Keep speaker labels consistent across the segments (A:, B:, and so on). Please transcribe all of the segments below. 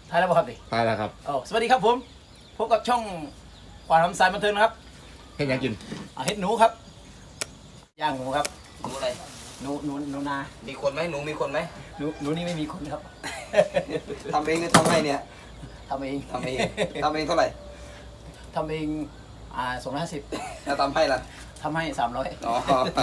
A: ถ่ายแล้วครับดิ
B: ถ่ายแล้วครับ
A: สวัสดีครับผมพบกับช่องขวานทำสายบันเทิงนะครับ
B: เฮ็ดยังกิน
A: เฮ็ดหนูครับย่างหนูครับ
C: หนูอะไร
A: หนูนา
C: มีคนไหมหนูมีคนไหม
A: หนูนี่ไม่มีคนครับ
C: ทำเองหรือทำให้เนี่ย
A: ทำเอง
C: เท่าไหร่
A: ทำเอง250
C: แล้วทำให้ล่ะ
A: ทำให้300
C: อ๋อ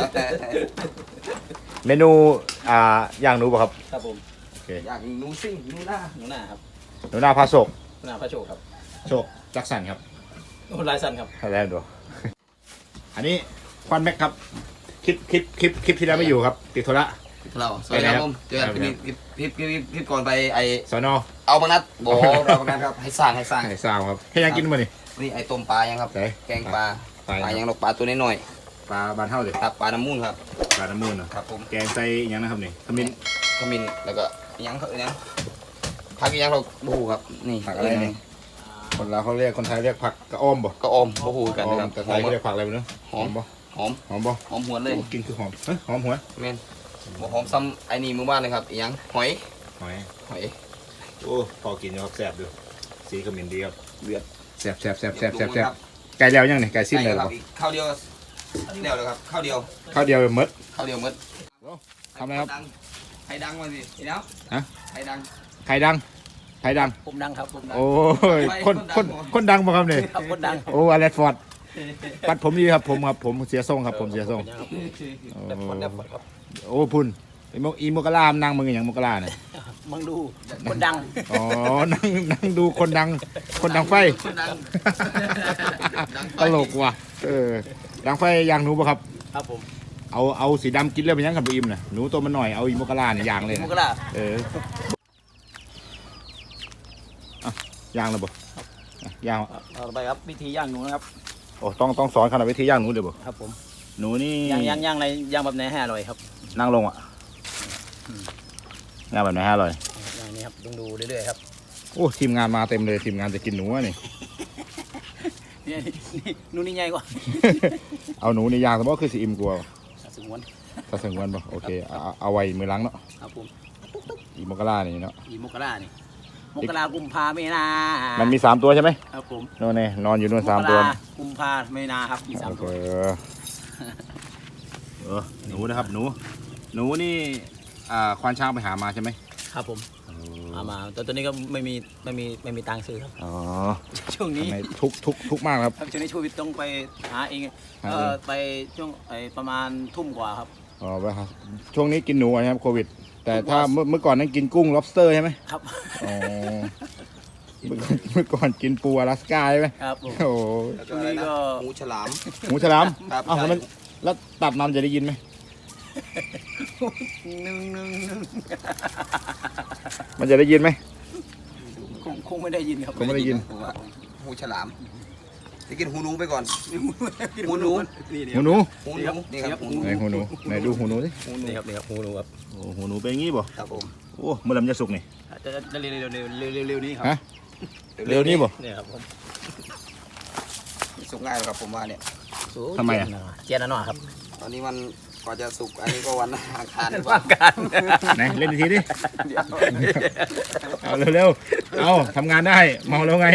B: เมนูย่างหนูป่ะครับ
A: ครับผม
B: โอเค
C: อย่างหนูซิ่งหนูหน้า
A: ครับ
B: หนูนาพาโศก
A: หนูนาพระโชคครับ
B: โชคจักสันครับ
A: ลายสันครับ
B: แล้วดูอันนี้ควันแม็กครับคลิปที่แล้วไม่อยู่ครับติดธุระ
C: เราสวัสดีครับผมเจอกันคลิปก่อนไปไอ
B: สอนอ
C: เอาบางนัดโบเราบางนัดครับให้สร้าง
B: ครับให้ยังกินมาดิ
C: นี่ไอต้มปลายังครับแกงปลายังปลาตัวน้อย
B: ปลาบานเท่าเลย
C: ครับปลาน้ำมูลครับ
B: ปลาน้ำมูลนะครับ
C: ผม
B: แกงใส่ยังนะครับนี่ขมิ้น
C: แล้วก็ยังผักยังเราบูครับนี่
B: ผักอะไรนี่คนเราเขาเรียกคนไทยเรียกผักกระอ้อมบ่
C: กระอ้อมบูกันนะครับ
B: แต่ไทยเรียกผักอะไรเนาะหอมบ่
C: หอมหวนเลย
B: กินคือหอมหอมหัว
C: เมนหอมซ้ำไอ้นี่มือบ้านเลยครับยังหอย
B: โอ้พอกินนะครับแซ่บดูสีขมิ้นดีครับ
C: เดือด
B: แซ่บไก่แล้วยังนี่ไก่สิ้นเลยครับ
C: ข้าวเดียวเดียวเลยครับข้าวเดียว
B: มดทำอะไรครับ
C: ไข่ดังมาสิเดี๋ยวไข่
B: ดัง
A: ผมดังครับ
B: โอ้ยคนดังป่ะครับเนี่ย
A: คนดัง
B: โอ้อเลสฟอร์ดปัดผมดีครับผมเสียทรงครับผมเสียทรงโอ้พุ่นอีโมกลามนั่งมึงอย่างโมกลาเนี่ย
A: มึงดูคนดัง
B: อ๋อนั่งดูคนดังไฟตลกว่ะดังไฟย่างหนูป่ะครับ
A: ครับผม
B: เอาสีดำกินแล้วเป็นยังกับอิ่มน่ะหนูตัวมันหน่อยเอาอีโมกลาเนี่ยย่างเลย
A: โมกลา
B: ย่างเลยบ่ย่าง
A: ต่อไปครับวิธีย่างหนูนะครับ
B: โอ้ต้องสอนขนาดวิธีย่างหนูเดี๋ยวบ่
A: ครับผม
B: หนูนี่
A: ย่างอะไรย่างแบบไหนให้อร่อยครับ
B: นั่งลงย่างแบบไหนให้อร่อย
A: อย่างนี้ครับดูเรื่อยๆครับ
B: โอ้ทีมงานมาเต็มเลยทีมงานจะกินหนูนี่
A: หนูนี่ใหญ่กว่า
B: เอาหนูในย่างสมมติคือสีอิ่มกลัว
A: ถ้าสง
B: วนป่ะโอเคเอาไว้มือล้างเนาะ
A: ครับผม
B: อีโมกลานี่เนาะ
A: อีโมกลานี่มกรากุมภาไม่นา
B: มันมี3ตัวใช่ไหม
A: ครับผม
B: โน่นนอนอยู่นู่น3ตัว
A: กุมภาไม่นาครับมี3ตัว
B: หนูนะครับหนูนี่ควานช้างไปหามาใช่ไหม
A: ครับผมมาแต่ตอนนี้ก็ไม่มีตังค์ซื้อครับ
B: อ๋อ
A: ช่วงนี้
B: ทุกมากครับ
A: ช่วงนี้ช่วยต้องไปหาเองไปช่วงประมาณทุ่มกว่าครับ
B: อ๋อไปครับช่วงนี้กินหนูนะครับโควิดแต่ถ้าเมื่อก่อนนั้นกินกุ้ง lobster ใช่ไหม
A: ครับ
B: อ๋อเมื่อก่อนกินปูอลาสก้าใช่ไหม
A: ครับ
B: โอ้
A: ช่วงนี้ก็
C: หมูฉลาม
B: อ้าวแล้วตับน้ำจะได้ยินไหมมันจะได้ยินไหม
A: คงไม่ได้ยินครับ
B: คงไม่ได้ยิน
C: หมูฉลามจะกินหูหนูไปก่อนหูหนูนี่ครับ
B: หูหนูไหนดูหูหนูสิ
A: นี่ครับหูหนูครับ
B: โอ้หูหนูเป็นงี้บ่
C: ครับผม
B: โอ้เมื่อไหร่มันจะสุกนี่
A: จะเร็วนี้ครับ
B: เร็วนี้บ่
A: เนี่ยครับผม
C: สุกง่ายครับผมว่าเนี่ย
B: ทำไม
A: เจี๊ยบหน่อยครับ
C: ตอนนี้มันกว่าจะสุกอันนี้ก็วันอังคาร
B: ไหนเล่นทีดิเอาเร็วเอาทำงานได้เมาแล้วไง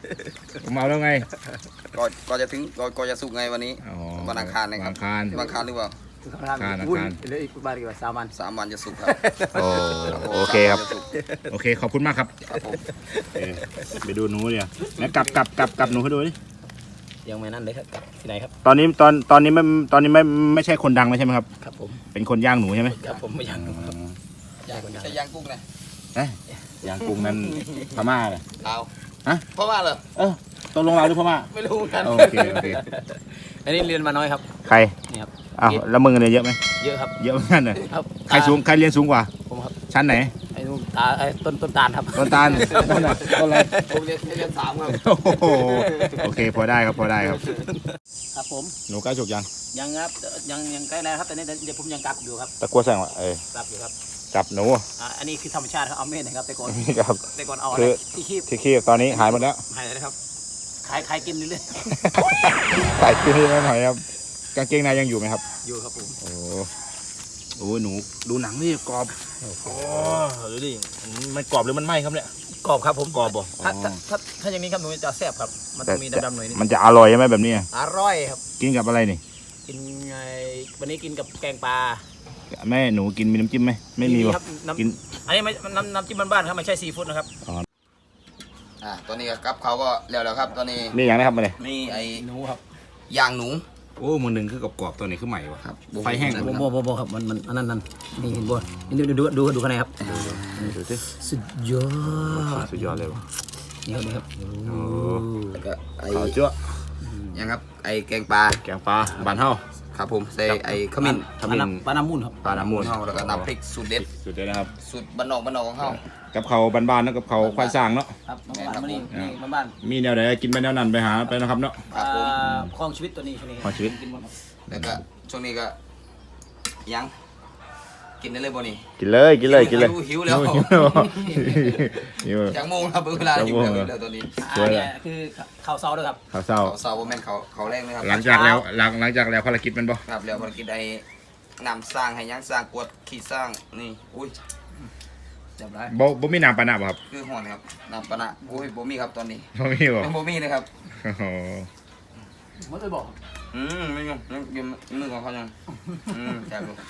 C: ก็จะถึงก็จะสุกไงวันนี้วันอังคารนะครับ
B: อังคาร
C: หรือเปล่า
A: เหลืออีกประมาณ
C: 3 วันจะสุกครับ
B: โอเคครับโอเคขอบคุณมากครับไปดูหนูเนี่ยแล้วกลับหนูให้ดูดิ
A: ยังไม่นั่นเลยครับที่ไหนครับ
B: ตอนนี้ไม่ใช่คนดังใช่ไหมครับ
A: ครับผม
B: เป็นคนย่างหนูใช่ไหม
A: ครับผมไม่ย่างหนูครับ
C: จะย่างกุ้งไง
B: ย่างกุ้งนั้นพม่าเลย
C: เอาพม่าเหรอ
B: ตกลงเราหรือพม่า
A: ไม่รู้กัน
B: โอเค
A: อันนี้เรียนมาน้อยครับ
B: ใคร
A: นี่ครับ
B: อ้าวแล้วมึงเนี่ยเยอะไหม
A: เยอะครับ
B: เยอะเหมือนกันเลยใครเรียนสูงกว่า
A: ผมครับ
B: ชั้นไหน
A: ไอ้นู่นต้นตาลครับ
B: ต้นตาลต้นอะไร
C: ผมเรียน3ครับ
B: โอเคพอได้ครับ
A: ครับผม
B: หนูใกล้สุกยัง
A: ครับยังใกล้แล้วครับแต่นี้เดี๋ยวผมยังกลับอยู่ครับ
B: ตะกัวแสงว่ะ
A: กลับอยู่ครับ
B: จับหนู
A: อันนี้คือธรรมชาติครับเอาเม็ดนะครับแต่ก่อนเอาที่
B: คีบตอนนี้หายหมดแล้ว
A: หายแล้วครับขายกินเรื่อย
B: ๆขายกินนิดหน่อยครับกางเกงในยังอยู่ไหมครับ
A: อยู่ครับผม
B: โอ้หนูดูหนังนี่กรอบโอ้ดูดิมันกรอบหรือมันไหม้ครับเนี่ย
A: กรอบครับผม
B: กรอบบ่
A: ถ้าอย่างนี้ครับหนูจะแซ่บครับมันต้องมีดำๆหน่อยนิด
B: มันจะอร่อยใช่ไหมแบบนี้
A: อร่อยครับ
B: กินกับอะไรนี่
A: กินไงวันนี้กินกับแกงปลา
B: แม่หนูกินมีน้ำจิ้มไหมไม่มี
A: ครับ
B: กิน
A: อันนี้ไม่น้ำจิ้มบ้านๆครับไม่ใช่ซีฟู้ดนะครับ
C: ตอนนี้กับเขาก็แล้วครับตอนนี้
B: นี่อย่างนะครับมาเลย
C: มีไอ้
A: หนูครับ
C: ย่างหนู
B: โอ้มือหนึ่งคือกรอบๆตัวนี้คือใหม่วะ
C: ครับ
B: ไฟแห้ง
A: โบครับมันอันนั้นนี่เห็นบ่นี่ดูข้างในครับ
B: ดูสิ
A: สุดยอด
B: สุดยอดเลยวะ
A: นี่ครับ
B: โอ้
C: แล้วก็ไอ้
B: ขาวจั๊ว
C: ยังครับไอ้แกงปลา
B: แกงปลาบานเฮา
C: ครับผมใส่ไอ้ขมิ้น
B: ขมิ้น
A: ปลาน้ำมูนครับ
B: ปลาน้ำมูล
C: เฮาแล้วก็น้ำพริกสูตรเด็ด
B: สุดเลยนะครับ
C: สูตรบ้านนอกของเฮา
B: กับเขาวบานๆแล้วกับเขาวควานสร้างเนาะ
A: ครับน้องบ้านนี่บ้าน
B: มีแนวไหนกินไปแนวนั้นไปหาไปนะครับเนาะ
C: ครับผม
A: คลองชีวิตตัวนี้ช่วงนี้
B: คลองชีวิต
A: กินหมดครับ
C: แล้วก็ช่วงนี้ก็ยังกินได้เลยบ่นี่
B: กินเลยกินเลย
C: หิวแล้ว
B: หิว
C: จากโมงครับเวลาหิวแล้วตอนนี้
A: เนี่ยคือข้าวเซาด้วยครับ
B: ข้าวเศร้า
C: เขาเสาบ่แม่นเขาแรงเลยครับ
B: หลังจากแล้วภารกิจมันบ่
C: ครับแล้วภารกิจไอ้นำสร้างให้ยังสร้างกวดขีดสร้างนี่อุ้ย
A: เรียบร้อย
B: บ่มีน้ำปานะบ่ครับ
C: คือห่อนครับนำปะนะอุ้ยบ่มีครับตอนนี้
B: บ่มีบ่
C: ยังบ่มีเลยครับ
B: โอ้โห
A: ไม่เคยบอก
C: ไม่ยังอยู่มือของเขายังแซ่บลูก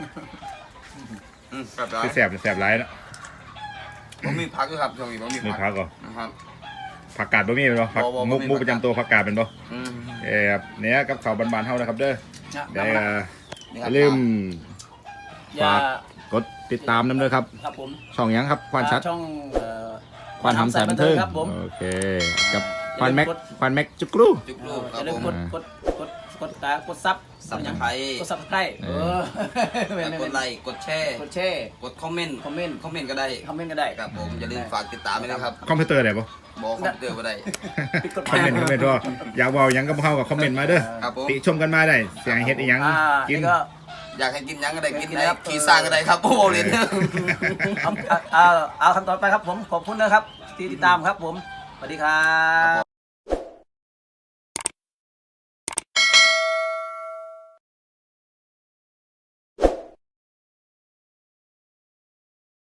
C: แซ่บร้าย
B: คือแสบหลายเนาะ
C: บ่มีพักด้วยครับช่วงนี้บ่มี
B: มี
C: พั
B: ผั
C: ก
B: กก่อ
C: นะครับ
B: ผักกาดบ่มีเป็นบ่ผัก
C: บ่มี
B: มุก
C: ผักกาด
B: ประจำตัวผักกาดเป็นบ่
C: อืม
B: ครับเนี่ยกับข้าวบานๆเฮานะครับเด้อได้
C: นี่
B: อ
C: ครับ
B: ย่าลืม
A: อย่าก
B: ดติดตามนำด้วยครับ
A: ครับผม
B: ช่องหยังครับควานชัด
A: ช่อง
B: ควานทำสายบันเทิง
A: ครับผม
B: โอเคกับควานแม็กจุกรู
C: จุกลูกค
A: อ
C: รับ
A: ย่าลื
C: ผม ม
A: กดซับ
C: สับตะไคร้
A: กดซับใกล้
C: กดไลค์กดแชร์
A: กดแชร์
C: กดคอมเมนต์
A: คอมเมนต์
C: ก็ได้
A: คอมเมนต์ก็ได้
C: ครับผมอย่าลืมฝากติดตามด้วยนะครับ
B: คอมพิวเตอร์ได้ปะ
C: บอกคอมพิวเตอร์บ่ได้
A: ปิดกด
B: คอมเมนต์ว่าอยากเว่าหยังก็เข้ากับคอมเมนต์มาเด้อ
C: ครับผม
B: ติชมกันมาได้เสียงเฮ็ดอีหยังกิน
A: ก็
C: อยากให้กินยังก็ได้กินได้ขี่สร้างก็ได้ครับโอ้โหเรียน
A: เอาคำต่อไปครับผมขอบคุณนะครับที่ติดตามครับผมสวัสดีครับ